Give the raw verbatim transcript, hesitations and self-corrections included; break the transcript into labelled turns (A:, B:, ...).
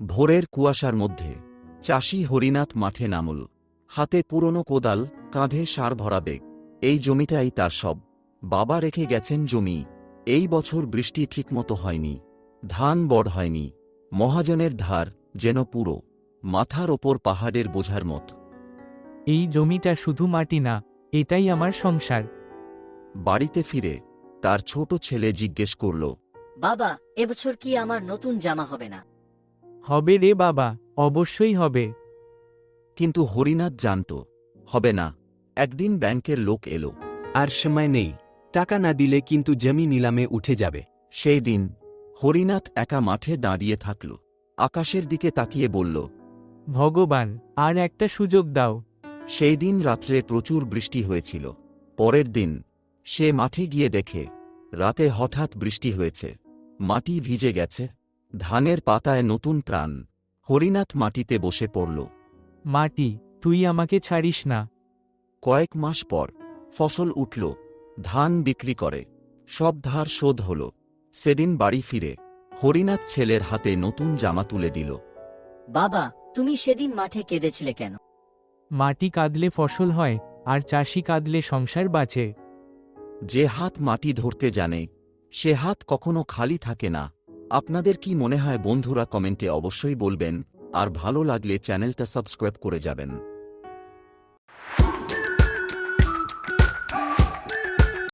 A: ভোরের কুয়াশার মধ্যে চাষি হরিনাথ মাঠে নামল। হাতে পুরনো কোদাল, কাঁধে সার ভরা বেগ। এই জমিটাই তার সব। বাবা রেখে গেছেন জমি। এই বছর বৃষ্টি ঠিকমতো হয়নি, ধান বড় হয়নি। মহাজনের ধার যেন পুরো মাথার ওপর পাহাড়ের বোঝার মত।
B: এই জমিটা শুধু মাটি না, এটাই আমার সংসার।
A: বাড়িতে ফিরে তার ছোট ছেলে জিজ্ঞেস করল,
C: বাবা, এবছর কি আমার নতুন জামা হবে না?
B: হবে রে বাবা, অবশ্যই হবে।
A: কিন্তু হরিনাথ জানত, হবে না। একদিন ব্যাংকের লোক এলো।
D: আর সময় নেই, টাকা না দিলে কিন্তু জমি নিলামে উঠে যাবে।
A: সেই দিন হরিনাথ একা মাঠে দাঁড়িয়ে থাকল। আকাশের দিকে তাকিয়ে বলল,
B: ভগবান, আর একটা সুযোগ দাও।
A: সেই দিন রাত্রে প্রচুর বৃষ্টি হয়েছিল। পরের দিন সে মাঠে গিয়ে দেখে রাতে হঠাৎ বৃষ্টি হয়েছে। মাটি ভিজে গেছে, ধানের পাতায় নতুন প্রাণ। হরিনাথ মাটিতে বসে পড়ল।
B: মাটি, তুই আমাকে ছাড়িস না।
A: কয়েক মাস পর ফসল উঠল, ধান বিক্রি করে সব ধার শোধ হল। সেদিন বাড়ি ফিরে হরিনাথ ছেলের হাতে নতুন জামা তুলে দিল।
C: বাবা, তুমি সেদিন মাঠে কেঁদেছিলে কেন?
B: মাটি কাঁদলে ফসল হয়, আর চাষি কাঁদলে সংসার বাঁচে।
A: যে হাত মাটি ধরতে জানে, সে হাত কখনো খালি থাকে না। আপনাদের কি মনে হয় বন্ধুরা? কমেন্টে অবশ্যই বলবেন, আর ভালো লাগলে চ্যানেলটা সাবস্ক্রাইব করে যাবেন।